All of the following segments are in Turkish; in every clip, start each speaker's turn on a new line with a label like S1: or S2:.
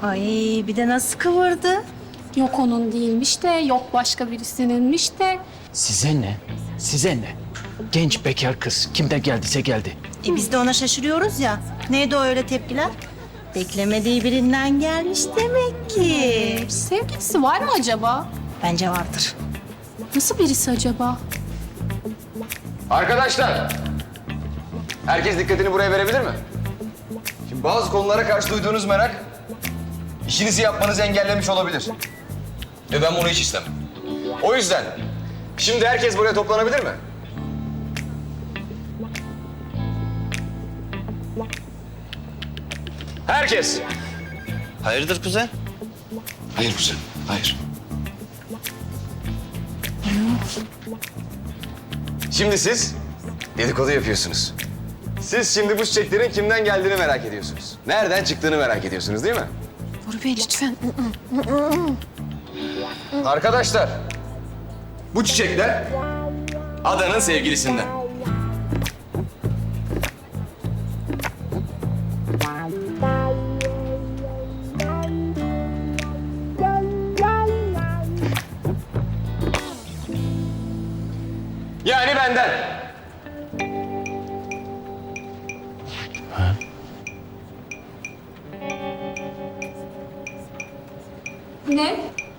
S1: Ay bir de nasıl kıvırdı?
S2: Yok onun değilmiş de, yok başka birisininmiş de.
S3: Size ne? Size ne? Genç bekar kız. Kimden geldiyse geldi.
S1: Biz de ona şaşırıyoruz ya. Neydi o öyle tepkiler? Beklemediği birinden gelmiş demek ki.
S2: Sevgilisi var mı acaba?
S1: Bence vardır.
S2: Nasıl birisi acaba?
S4: Arkadaşlar, herkes dikkatini buraya verebilir mi? Şimdi bazı konulara karşı duyduğunuz merak, işinizi yapmanızı engellemiş olabilir. Ve ben bunu hiç istemem. O yüzden, şimdi herkes buraya toplanabilir mi? Herkes.
S5: Hayırdır kuzen?
S4: Hayır kuzen, hayır. Şimdi siz dedikodu yapıyorsunuz. Siz şimdi bu çiçeklerin kimden geldiğini merak ediyorsunuz. Nereden çıktığını merak ediyorsunuz değil mi?
S2: Bora Bey lütfen.
S4: Arkadaşlar, bu çiçekler Adanın sevgilisinden. Yani benden.
S2: Ne?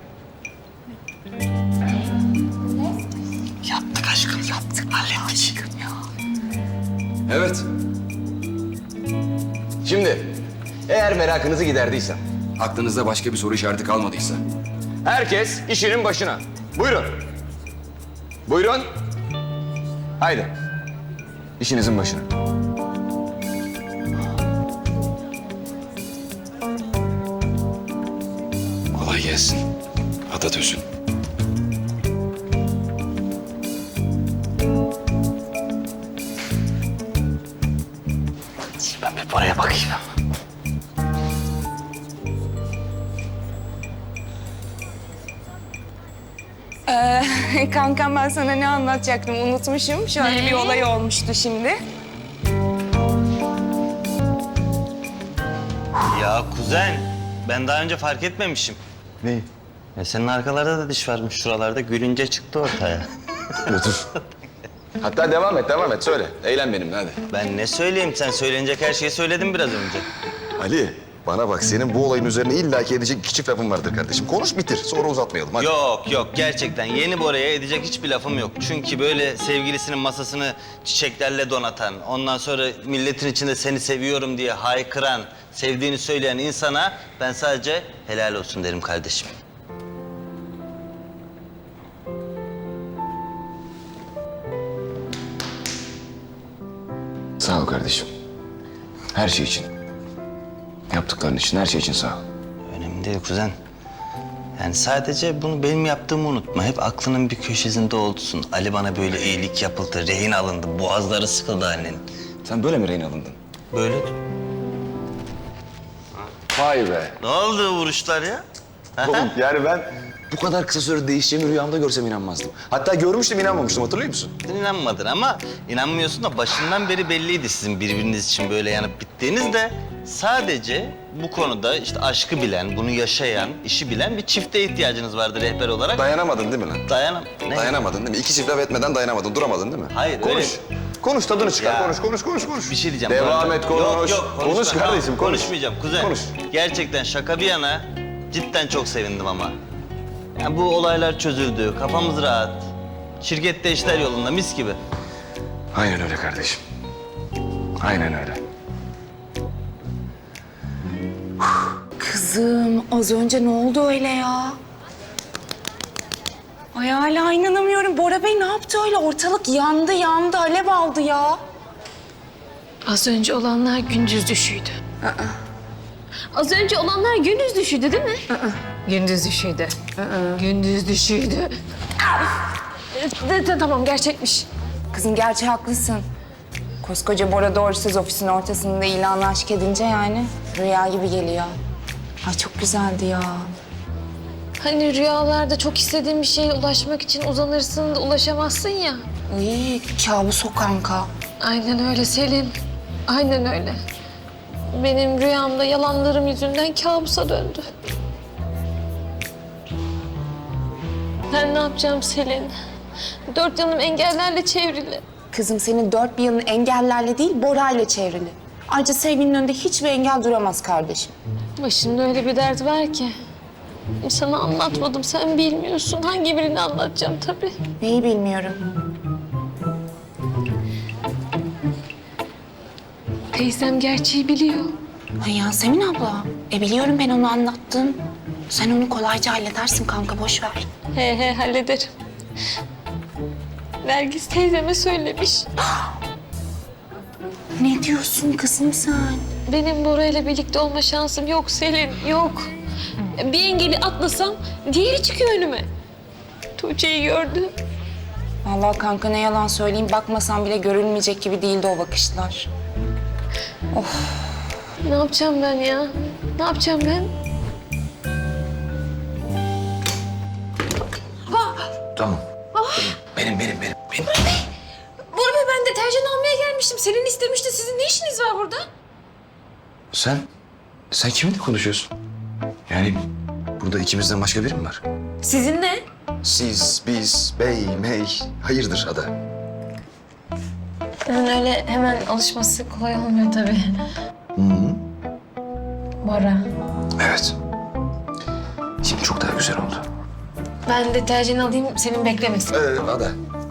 S3: Yaptık aşkım, yaptık. Hallettik.
S4: Evet. Şimdi, eğer merakınızı giderdiysem, aklınızda başka bir soru işareti kalmadıysa, herkes işinin başına. Buyurun. Buyurun. Haydi. İşinizin başına. Kolay gelsin. Atatürk'ün.
S3: Ben bir paraya bakayım.
S6: Kankam ben sana ne anlatacaktım unutmuşum. Şöyle bir olay olmuştu şimdi.
S5: Ya kuzen, ben daha önce fark etmemişim.
S4: Neyi?
S5: Ya senin arkalarda da diş varmış şuralarda. Gülünce çıktı ortaya.
S4: Otur. Hatta devam et. Söyle. Eğlen benimle hadi.
S5: Ben ne söyleyeyim? Sen söylenecek her şeyi söyledin biraz önce.
S4: Ali, bana bak. Senin bu olayın üzerine illaki edecek iki çift lafın vardır kardeşim. Konuş bitir. Sonra uzatmayalım. Hadi.
S5: Yok gerçekten yeni Bora'ya edecek hiçbir lafım yok. Çünkü böyle sevgilisinin masasını çiçeklerle donatan, ondan sonra milletin içinde seni seviyorum diye haykıran, sevdiğini söyleyen insana ben sadece helal olsun derim kardeşim.
S4: Sağ ol kardeşim. Her şey için. Yaptıkların için, her şey için sağ ol.
S5: Önemli değil kuzen. Yani sadece bunu benim yaptığımı unutma. Hep aklının bir köşesinde olsun. Ali bana böyle iyilik yapıldı, rehin alındı, boğazları sıkıldı annenin.
S4: Sen böyle mi rehin alındın?
S5: Böyle.
S4: Vay be.
S5: Ne oldu vuruşlar ya?
S4: Oğlum yani ben bu kadar kısa sürede değişeceğimi rüyamda görsem inanmazdım. Hatta görmüştüm inanmamıştım hatırlıyor musun?
S5: Sen inanmadın ama inanmıyorsun da başından beri belliydi sizin birbiriniz için böyle yanıp bittiğiniz de sadece bu konuda işte aşkı bilen, bunu yaşayan, işi bilen bir çifte ihtiyacınız vardı rehber olarak.
S4: Dayanamadın değil mi lan?
S5: Ne?
S4: Dayanamadın değil mi? İki çift laf etmeden dayanamadın, duramadın değil mi?
S5: Hayır,
S4: Konuş.
S5: öyle.
S4: Konuş, tadını çıkar.
S5: Ya.
S4: Konuş.
S5: Bir şey diyeceğim.
S4: Devam et, konuş.
S5: Yok,
S4: Konuş
S5: konuşma.
S4: kardeşim,
S5: Tamam,
S4: konuş.
S5: Konuşmayacağım kuzen.
S4: Konuş.
S5: Gerçekten şaka bir yana cidden çok sevindim ama. Yani bu olaylar çözüldü, kafamız rahat. Şirkette işler yolunda, mis gibi.
S4: Aynen öyle kardeşim. Aynen öyle.
S6: Kızım az önce ne oldu öyle ya? Ay hala inanamıyorum. Bora Bey ne yaptı öyle? Ortalık yandı, alev aldı ya.
S2: Az önce olanlar gündüz düşüydü. Az önce olanlar gündüz düşüydü değil mi? Gündüz düşüydü. Gündüz düşüydü. Tamam gerçekmiş.
S6: Kızım gerçi haklısın. Koskoca Bora doğrusuz ofisin ortasında ilanı aşk edince yani rüya gibi geliyor. Ay çok güzeldi ya.
S2: Hani rüyalarda çok istediğin bir şeye ulaşmak için uzanırsın da ulaşamazsın ya.
S6: Ay kabus o kanka.
S2: Aynen öyle Selin. Aynen öyle. benim rüyamda yalanlarım yüzünden kabusa döndü. Ben ne yapacağım Selin? Dört yanım engellerle çevrili.
S6: Kızım senin dört bir yanın engellerle değil Bora'yla çevrili. Ayrıca sevginin önünde hiçbir engel duramaz kardeşim.
S2: Başımda öyle bir dert var ki. Sana anlatmadım, sen bilmiyorsun. Hangi birini anlatacağım tabii.
S6: Neyi bilmiyorum.
S2: Teyzem gerçeği biliyor.
S6: Ay Yasemin abla. Biliyorum ben onu anlattım. Sen onu kolayca halledersin kanka boş ver.
S2: He hallederim. Nergis teyzeme söylemiş.
S6: Ne diyorsun kızım sen?
S2: Benim Bora ile birlikte olma şansım yok Selin, yok. Bir engeli atlasam diğeri çıkıyor önüme. Tuğçe'yi gördü.
S6: Vallahi kanka ne yalan söyleyeyim bakmasam bile görülmeyecek gibi değildi o bakışlar.
S2: Ne yapacağım ben ya? Ne yapacağım ben?
S4: Tamam. Benim.
S2: Bora Bey ben deterjan almaya gelmiştim. Selin istemişti. Sizin ne işiniz var burada?
S4: Sen kiminle konuşuyorsun? Yani burada ikimizden başka biri mi var?
S2: Sizin ne?
S4: Siz, biz, bey, mey, hayırdır Ada?
S2: Yani öyle hemen alışması kolay olmuyor tabii. Bora.
S4: Evet. Şimdi çok daha güzel oldu.
S2: Ben deterjan alayım, senin beklemesin.
S4: Ada.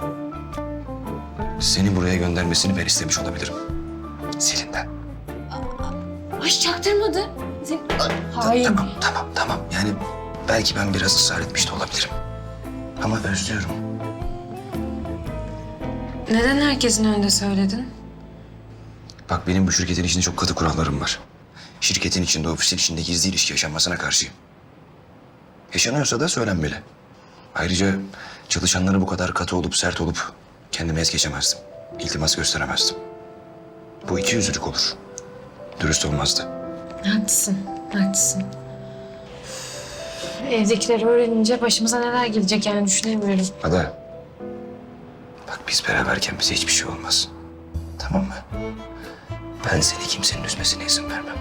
S4: Seni buraya göndermesini ben istemiş olabilirim. Selin'den.
S2: Ay çaktırmadı. Hayır.
S4: Tamam. Yani belki ben biraz ısrar etmiş de olabilirim. Ama özlüyorum.
S2: Neden herkesin önünde söyledin?
S4: Bak benim bu şirketin içinde çok katı kurallarım var. Şirketin içinde, ofisin içinde gizli ilişki yaşanmasına karşıyım. Yaşanıyorsa da söylenmeli. Ayrıca çalışanlara bu kadar katı olup sert olup kendimi es geçemezdim. İltimas gösteremezdim. Bu ikiyüzlülük olur. Dürüst olmazdı.
S2: Haklısın. Evdekileri öğrenince başımıza neler gelecek yani düşünemiyorum.
S4: Ada. Bak biz beraberken bize hiçbir şey olmaz. Tamam mı? Ben seni kimsenin üzmesine izin vermem.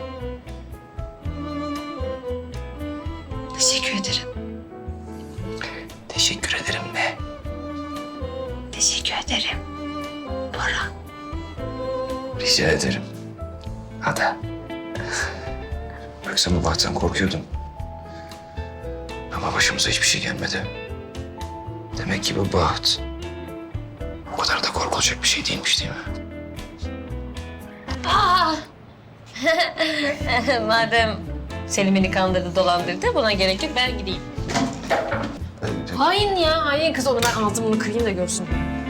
S2: Teşekkür ederim.
S4: Teşekkür ederim ne?
S2: Teşekkür ederim. Bora.
S4: Rica ederim. Ada. Bak sen bu bahttan korkuyordun. Ama başımıza hiçbir şey gelmedi. Demek ki bu baht o kadar da korkulacak bir şey değilmiş değil mi?
S2: Madem Selim beni kandırdı, dolandırdı, buna gerek yok. Ben gideyim. Hain ya, hain kız onu. Ben ağzımını kırayım da görsün.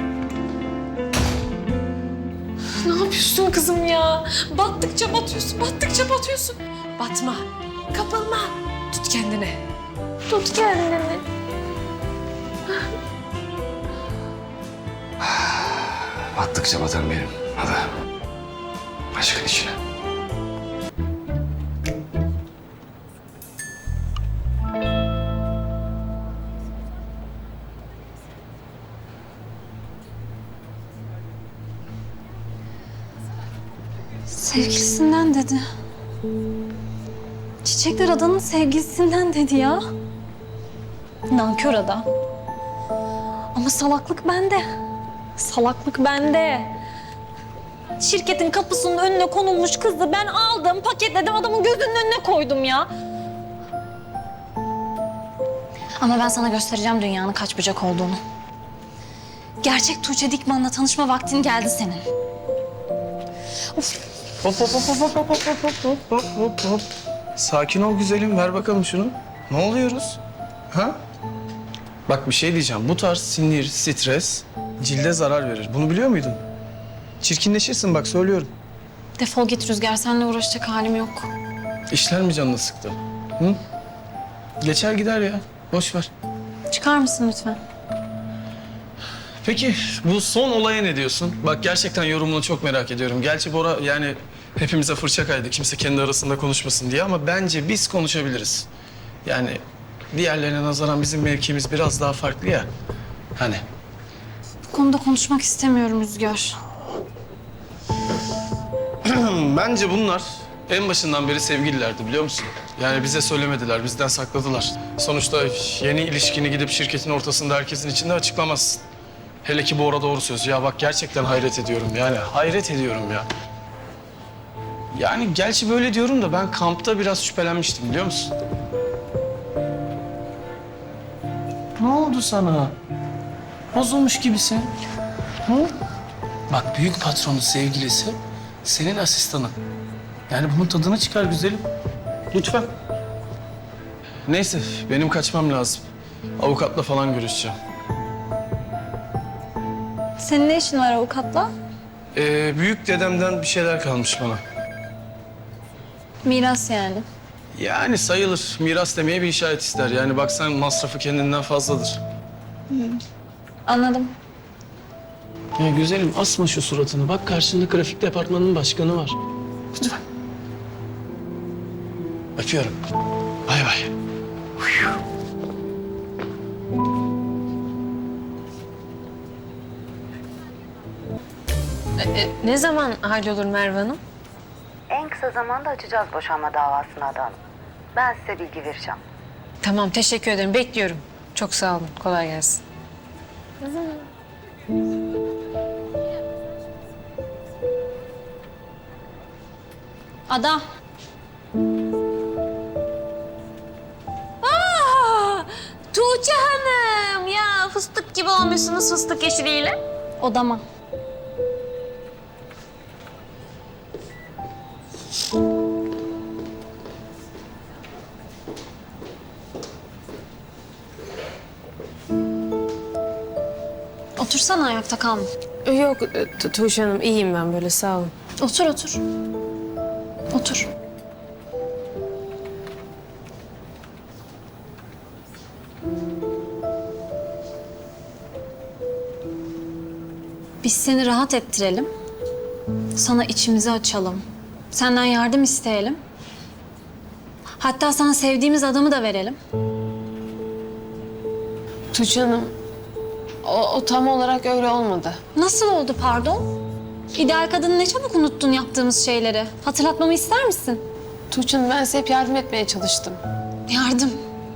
S2: Ne yapıyorsun kızım ya? Battıkça batıyorsun. Batma, kapılma. Tut kendini.
S4: Battıkça batan benim. Ada. Aşkın içine.
S7: Sevgilisinden dedi. Çiçekler Adanın sevgilisinden dedi ya. Nankör adam. Ama salaklık bende. Şirketin kapısının önüne konulmuş kızı ben aldım, paketledim, adamın gözünün önüne koydum ya. Ama ben sana göstereceğim dünyanın kaç bucak olduğunu. Gerçek Tuğçe Dikman'la tanışma vaktin geldi senin.
S8: Hop. Sakin ol güzelim, ver bakalım şunu. Ne oluyoruz? Ha? Bak bir şey diyeceğim. Bu tarz sinir, stres cilde zarar verir. Bunu biliyor muydun? Çirkinleşirsin bak söylüyorum.
S7: Defol git Rüzgar, seninle uğraşacak halim yok.
S8: İşler mi canını sıktı? Hı? Geçer gider ya. Boş ver.
S7: Çıkar mısın lütfen?
S8: Peki bu son olaya ne diyorsun? Bak gerçekten yorumunu çok merak ediyorum. Gerçi Bora yani hepimize fırça kaydı. Kimse kendi arasında konuşmasın diye ama bence biz konuşabiliriz. Yani diğerlerine nazaran bizim mevkimiz biraz daha farklı ya. Hani
S7: Bu konuda konuşmak istemiyorum Rüzgar.
S8: bence bunlar En başından beri sevgililerdi biliyor musun? Yani bize söylemediler, bizden sakladılar. Sonuçta yeni ilişkini gidip şirketin ortasında herkesin içinde açıklamazsın. Hele ki Bora doğru söz. Ya bak gerçekten hayret ediyorum yani. Hayret ediyorum ya. Yani gerçi böyle diyorum da ben kampta biraz şüphelenmiştim biliyor musun? Ne oldu sana? Bozulmuş gibisin. Hı? Bak büyük patronun sevgilisi senin asistanın. Yani bunun tadını çıkar güzelim. Lütfen. Neyse benim kaçmam lazım. Avukatla falan görüşeceğim.
S7: Senin ne işin var avukatla?
S8: Büyük dedemden bir şeyler kalmış bana.
S7: Miras yani.
S8: Yani sayılır. Miras demeye bir işaret ister. Yani baksan masrafı kendinden fazladır.
S7: Anladım.
S3: Ya güzelim asma şu suratını. Bak karşında grafik departmanının başkanı var.
S8: Lütfen. Öpüyorum. Bay bay.
S2: Ne zaman hallolur Merve Hanım?
S9: En kısa zamanda açacağız boşanma davasını Ada Hanım. Ben size bilgi vereceğim.
S2: Tamam, teşekkür ederim. Bekliyorum. Çok sağ olun. Kolay gelsin.
S7: Ada.
S2: Tuğçe Hanım! Ya fıstık gibi olmuşsunuz fıstık yeşiliyle.
S7: Odama. Otursana ayakta kalma.
S2: Yok Tuğçe Hanım, iyiyim ben böyle, sağ olun.
S7: Otur otur. Otur. Biz seni rahat ettirelim. Sana içimizi açalım. Senden yardım isteyelim. Hatta sana sevdiğimiz adamı da verelim.
S2: Tuğçe Hanım, o tam olarak öyle olmadı.
S7: Nasıl oldu pardon? İdeal kadını ne çabuk unuttun yaptığımız şeyleri. Hatırlatmamı ister misin?
S2: Tuğçe Hanım, ben size hep yardım etmeye çalıştım.
S7: Yardım.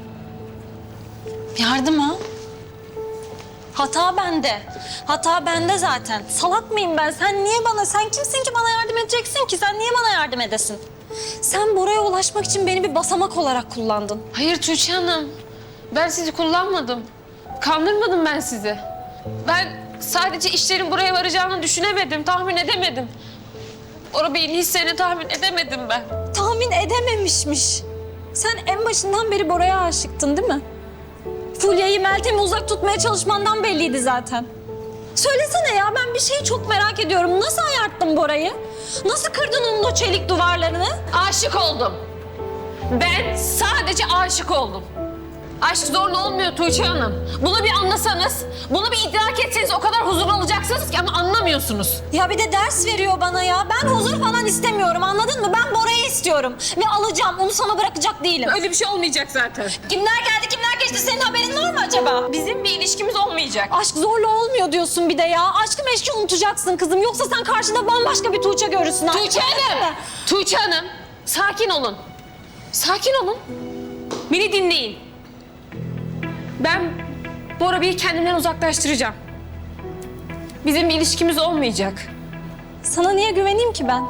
S7: Yardım ha? Hata bende. Hata bende zaten. Salak mıyım ben? Sen kimsin ki bana yardım edeceksin ki? Sen niye bana yardım edesin? Sen Bora'ya ulaşmak için beni bir basamak olarak kullandın.
S2: Hayır Tuğçe Hanım, ben sizi kullanmadım. Kandırmadım ben sizi. Ben sadece işlerin buraya varacağını düşünemedim, tahmin edemedim. Bora Bey'in hislerini tahmin edemedim ben.
S7: Tahmin edememişmiş. Sen en başından beri Bora'ya aşıktın değil mi? Fulya'yı, Meltem'i uzak tutmaya çalışmandan belliydi zaten. Söylesene ya, ben bir şeyi çok merak ediyorum. Nasıl ayarttın Bora'yı? Nasıl kırdın onun o çelik duvarlarını?
S2: Aşık oldum. Ben sadece aşık oldum. Aşk zorla olmuyor Tuğçe Hanım. Bunu bir anlasanız, bunu bir idrak etseniz o kadar huzur alacaksınız ki ama anlamıyorsunuz.
S7: Ya bir de ders veriyor bana ya. Ben huzur falan istemiyorum, anladın mı? Ben Bora'yı istiyorum ve alacağım. Onu sana bırakacak değilim.
S2: Öyle bir şey olmayacak zaten.
S7: Kimler geldi, kimler geçti? Senin haberin var mı acaba?
S2: Bizim bir ilişkimiz olmayacak.
S7: Aşk zorla olmuyor diyorsun bir de ya. Aşkı meşki unutacaksın kızım. Yoksa sen karşında bambaşka bir Tuğçe görürsün.
S2: Tuğçe Hanım! Tuğçe Hanım, sakin olun. Sakin olun. Beni dinleyin. Ben Bora Bey'i kendimden uzaklaştıracağım. Bizim bir ilişkimiz olmayacak.
S7: Sana niye güveneyim ki ben?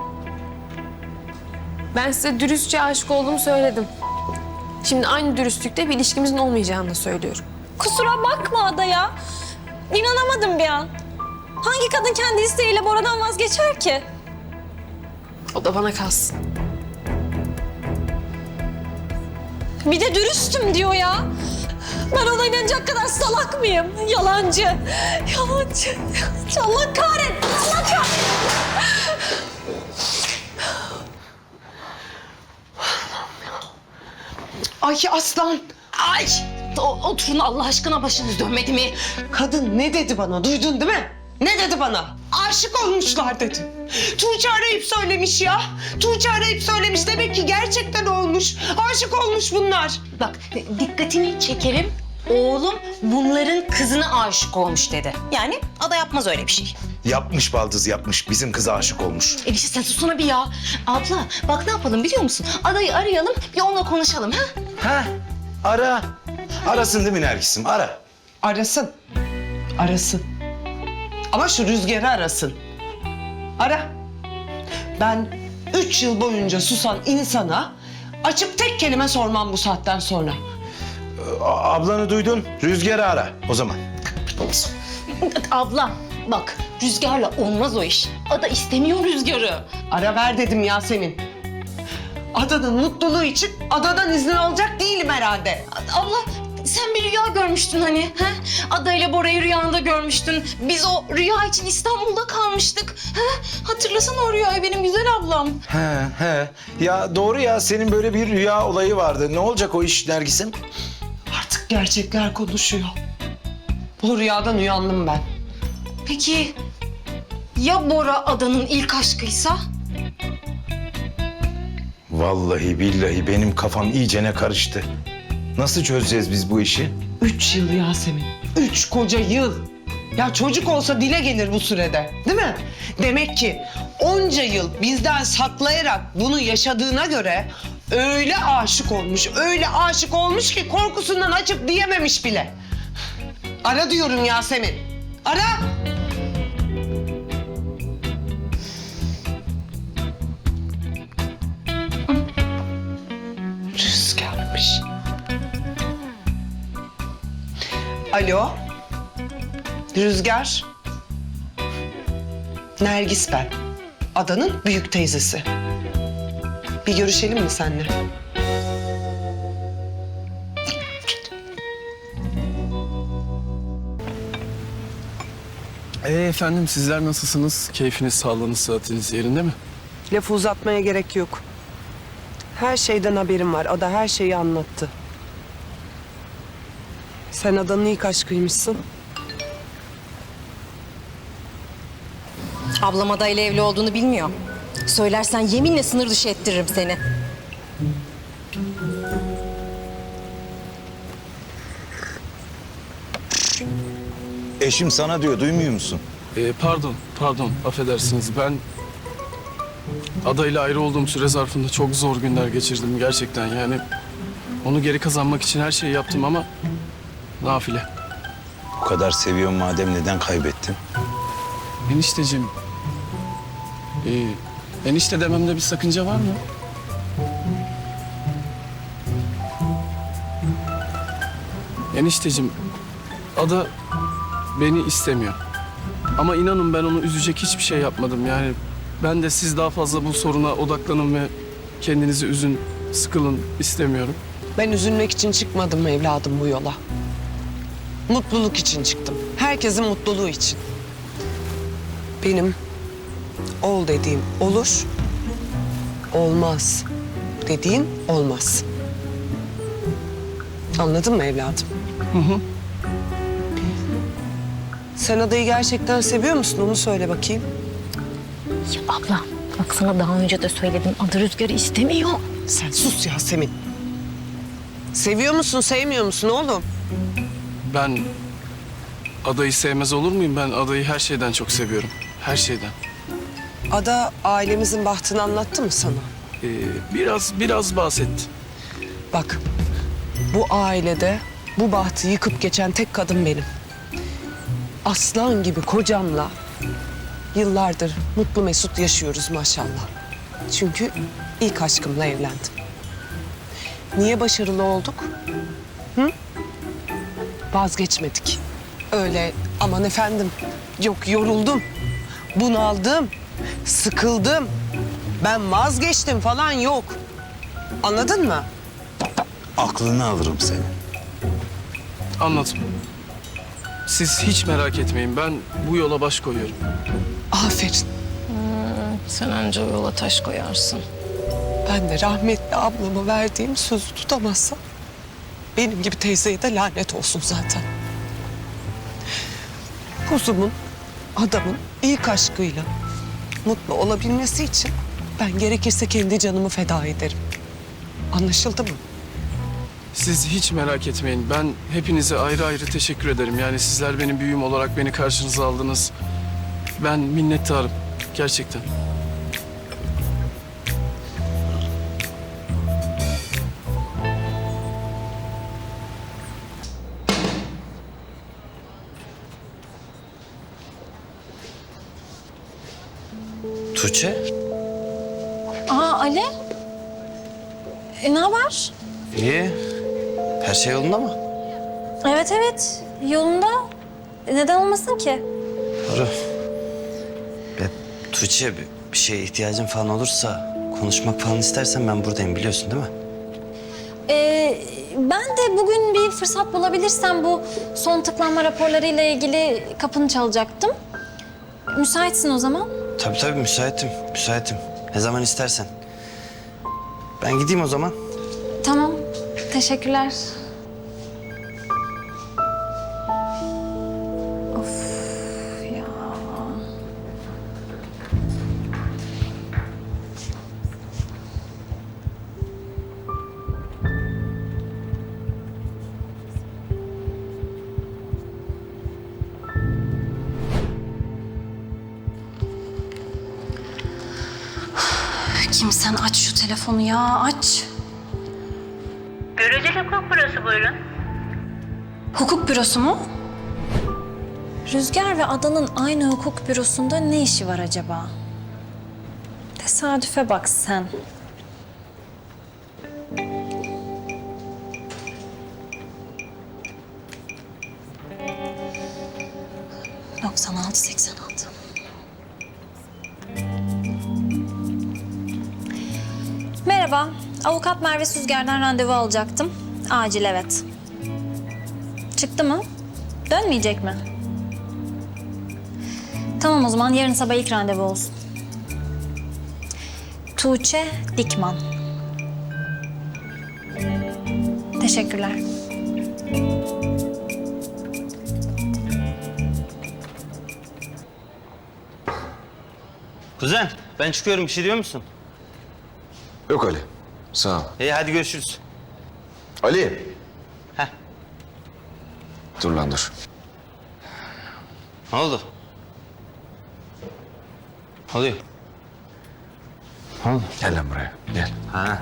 S2: Ben size dürüstçe aşık olduğumu söyledim. Şimdi aynı dürüstlükte bir ilişkimizin olmayacağını da söylüyorum.
S7: Kusura bakma Ada ya. İnanamadım bir an. Hangi kadın kendi isteğiyle Bora'dan vazgeçer ki?
S2: O da bana kalsın.
S7: Bir de dürüstüm diyor ya. Ben ona inanacak kadar salak mıyım? Yalancı. Yalancı. Allah kahretsin. Allah kahretsin.
S10: Ay aslan. Ay. Oturun Allah aşkına, başınız dönmedi mi? Kadın ne dedi bana, duydun değil mi? Ne dedi bana? Aşık olmuşlar dedi. Tuğçe arayıp söylemiş ya. Tuğçe arayıp söylemiş. Demek ki gerçekten olmuş. Aşık olmuş bunlar.
S11: Bak dikkatini çekerim. Oğlum bunların kızına aşık olmuş dedi. Yani Ada yapmaz öyle bir şey.
S12: Yapmış baldız yapmış. Bizim kıza aşık olmuş.
S11: Enişte sen susana bir ya. Abla bak ne yapalım biliyor musun? Adayı arayalım bir onunla konuşalım ha?
S12: Ha? Ara. Arasın değil mi Nergis'im? Ara.
S10: Arasın. Arasın. Ama şu Rüzgar'ı arasın. Ara. Ben 3 yıl boyunca susan insana açıp tek kelime sormam bu saatten sonra.
S12: Ablanı duydun. Rüzgar'ı ara o zaman.
S11: Abla bak Rüzgar'la olmaz o iş. Ada istemiyor Rüzgar'ı.
S10: Ara ver dedim Yasemin. Adanın mutluluğu için adadan izin alacak değilim herhalde.
S11: Abla sen bir rüya görmüştün hani. Ha? Ada ile Bora'yı rüyanda görmüştün. Biz o rüya için İstanbul'da kalmıştık. Ha? Hatırlasana o rüyayı benim güzel ablam.
S12: He. Ya doğru ya. Senin böyle bir rüya olayı vardı. Ne olacak o iş Nergis'im?
S10: Artık gerçekler konuşuyor. Bu rüyadan uyandım ben.
S11: Peki ya Bora Ada'nın ilk aşkıysa?
S12: Vallahi billahi benim kafam iyicene karıştı. Nasıl çözeceğiz biz bu işi?
S10: 3 yıl Yasemin. 3 koca yıl. Ya çocuk olsa dile gelir bu sürede. Değil mi? Demek ki onca yıl bizden saklayarak bunu yaşadığına göre öyle aşık olmuş ki korkusundan açıp diyememiş bile. Ara diyorum Yasemin. Ara. Rüzgarmış. Alo. Rüzgar. Nergis ben. Adanın büyük teyzesi. Bir görüşelim mi seninle?
S8: Efendim sizler nasılsınız? Keyfiniz, sağlığınız, sıhhatiniz yerinde mi?
S10: Lafı uzatmaya gerek yok. Her şeyden haberim var. Ada her şeyi anlattı. Sen Adanın ilk aşkıymışsın.
S13: Ablam adayla evli olduğunu bilmiyor. Söylersen yeminle sınır dışı ettiririm seni.
S12: Eşim sana diyor. Duymuyor musun?
S8: Pardon, affedersiniz. Ben adayla ayrı olduğum süre zarfında çok zor günler geçirdim gerçekten. Yani onu geri kazanmak için her şeyi yaptım ama nafile.
S12: Bu kadar seviyorum madem neden kaybettin?
S8: Enişteciğim, enişte dememde bir sakınca var mı? Enişteciğim, Ada beni istemiyor. Ama inanın ben onu üzecek hiçbir şey yapmadım. Yani ben de siz daha fazla bu soruna odaklanın ve kendinizi üzün, sıkılın istemiyorum.
S10: Ben üzülmek için çıkmadım evladım bu yola. Mutluluk için çıktım. Herkesin mutluluğu için. Benim ol dediğim olur, olmaz dediğim olmaz. Anladın mı evladım?
S8: Hı.
S10: Sen Ada'yı gerçekten seviyor musun? Onu söyle bakayım.
S11: Ya abla bak sana daha önce de söyledim. Ada Rüzgar'ı istemiyor.
S10: Sen sus Yasemin. Seviyor musun, sevmiyor musun oğlum?
S8: Ben Ada'yı sevmez olur muyum? Ben Ada'yı her şeyden çok seviyorum. Her şeyden.
S10: Ada ailemizin bahtını anlattı mı sana?
S8: Biraz bahsetti.
S10: Bak, bu ailede bu bahtı yıkıp geçen tek kadın benim. Aslan gibi kocamla yıllardır mutlu mesut yaşıyoruz maşallah. Çünkü ilk aşkımla evlendim. Niye başarılı olduk? Hı? Vazgeçmedik. Öyle aman efendim, yok yoruldum, bunaldım, sıkıldım, ben vazgeçtim falan yok. Anladın mı?
S12: Aklını alırım seni.
S8: Anladım. Siz hiç merak etmeyin. Ben bu yola baş koyuyorum.
S10: Aferin.
S13: Sen anca o yola taş koyarsın.
S10: Ben de rahmetli ablama verdiğim sözü tutamazsam benim gibi teyzeye de lanet olsun zaten. Kuzumun, adamın ilk aşkıyla mutlu olabilmesi için ben gerekirse kendi canımı feda ederim. Anlaşıldı mı?
S8: Siz hiç merak etmeyin. Ben hepinize ayrı ayrı teşekkür ederim. Yani sizler benim büyüğüm olarak beni karşınıza aldınız. Ben minnettarım. Gerçekten.
S5: Tuğçe?
S7: Aa Ali. Ne haber?
S5: İyi. Her şey yolunda mı?
S7: Evet evet yolunda. Neden olmasın ki?
S5: Doğru. Ya Tuğçe bir şeye ihtiyacın falan olursa konuşmak falan istersen ben buradayım biliyorsun değil mi?
S7: Ben de bugün bir fırsat bulabilirsem bu son tıklanma raporlarıyla ilgili kapını çalacaktım. Müsaitsin o zaman.
S5: Tabii müsaitim. Ne zaman istersen. Ben gideyim o zaman.
S7: Tamam. Teşekkürler. Of ya. Kimsen aç şu telefonu ya, aç.
S1: Göreceli hukuk bürosu buyurun.
S7: Hukuk bürosu mu? Rüzgar ve Adan'ın aynı hukuk bürosunda ne işi var acaba? Tesadüfe bak sen. ...96-86. Merhaba, avukat Merve Süzger'den randevu alacaktım. Acil evet. Çıktı mı? Dönmeyecek mi? Tamam o zaman yarın sabah ilk randevu olsun. Tuğçe Dikman. Teşekkürler.
S5: Kuzen ben çıkıyorum bir şey diyor musun?
S4: Yok Ali. Sağ ol.
S5: İyi hadi görüşürüz.
S4: Ali.
S5: Heh.
S4: Dur lan dur.
S5: Ne oldu? Ne oluyor? Ne oldu?
S4: Gel lan buraya. Gel.
S5: Ha.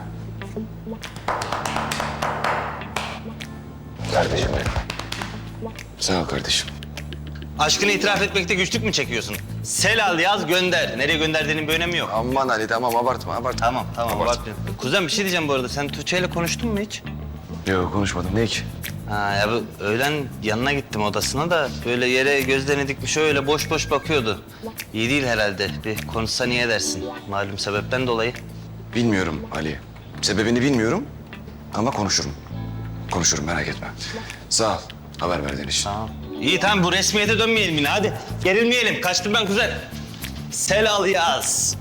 S4: Kardeşim benim. Sağ ol kardeşim.
S5: Aşkını itiraf etmekte güçlük mü çekiyorsun? Sel al yaz gönder. Nereye gönderdiğinin bir önemi yok.
S4: Aman Ali tamam abartma.
S5: Tamam
S4: Abartma.
S5: abartmıyorum. Kuzen bir şey diyeceğim bu arada. Sen Tuğçe ile konuştun mu hiç?
S4: Yok konuşmadım. Ne ki?
S5: Ha ya bu öğlen yanına gittim odasına da böyle yere gözlerini dikmiş öyle boş boş bakıyordu. İyi değil herhalde. Bir konuşsa niye dersin? Malum sebepten dolayı.
S4: Bilmiyorum Ali. Sebebini bilmiyorum ama konuşurum. Konuşurum merak etme. Sağ ol haber verdiğin için.
S5: Tamam. İyi tamam bu resmiyete dönmeyelim yine hadi. Gerilmeyelim. Kaçtım ben kuzen. Sel al yaz.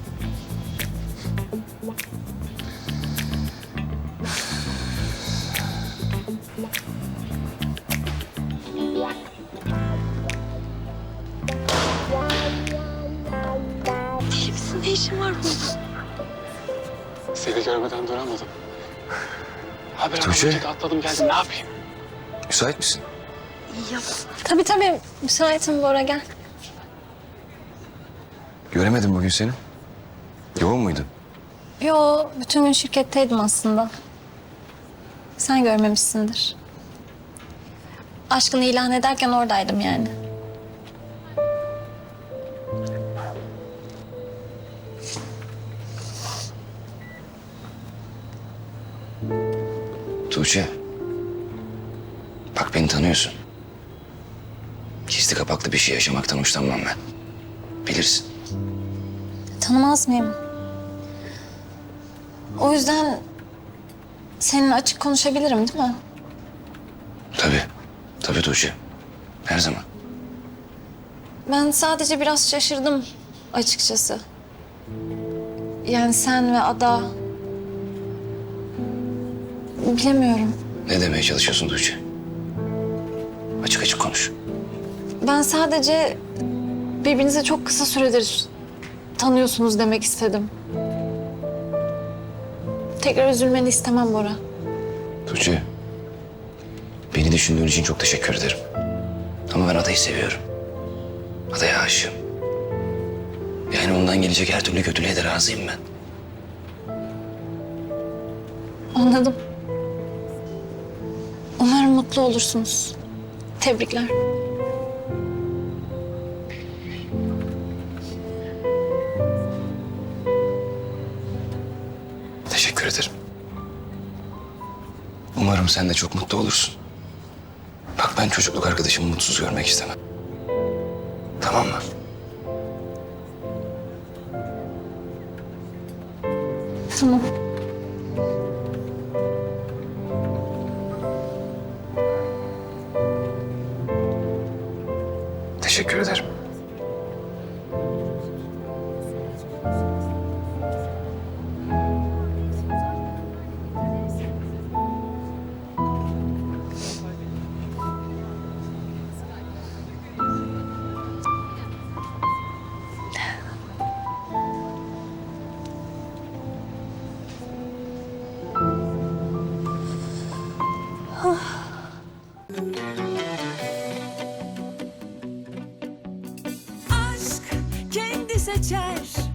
S7: Ne işin var burada?
S8: Seni görmeden duramadım. Haber
S4: Tuğçe.
S8: alınca da atladım geldim. Ne yapayım?
S4: Müsait misin?
S7: Tabii müsaitim Bora gel.
S4: Göremedim bugün seni. Yoğun muydun?
S7: Yo bütün gün şirketteydim aslında. Sen görmemişsindir. Aşkını ilan ederken oradaydım yani.
S4: Tuğçe. Bak beni tanıyorsun. Gizli kapaklı bir şey yaşamaktan hoşlanmam ben. Bilirsin.
S7: Tanımaz mıyım? O yüzden seninle açık konuşabilirim değil mi?
S4: Tabii. Tabii Tuğçe. Her zaman.
S7: Ben sadece biraz şaşırdım açıkçası. Yani sen ve Ada... Bilemiyorum.
S4: Ne demeye çalışıyorsun Tuğçe? Açık açık konuş.
S7: Ben sadece birbirinize çok kısa süredir tanıyorsunuz demek istedim. Tekrar üzülmeni istemem Bora.
S4: Tuğçe. Beni düşündüğün için çok teşekkür ederim. Ama ben Ada'yı seviyorum. Ada'ya aşığım. Yani ondan gelecek her türlü kötülüğe de razıyım ben.
S7: Anladım. Umarım mutlu olursunuz. Tebrikler.
S4: Teşekkür ederim. Umarım sen de çok mutlu olursun. Bak ben çocukluk arkadaşımı mutsuz görmek istemem. Tamam mı?
S7: Tamam.
S4: Teşekkür ederim.
S14: Aşk kendi seçer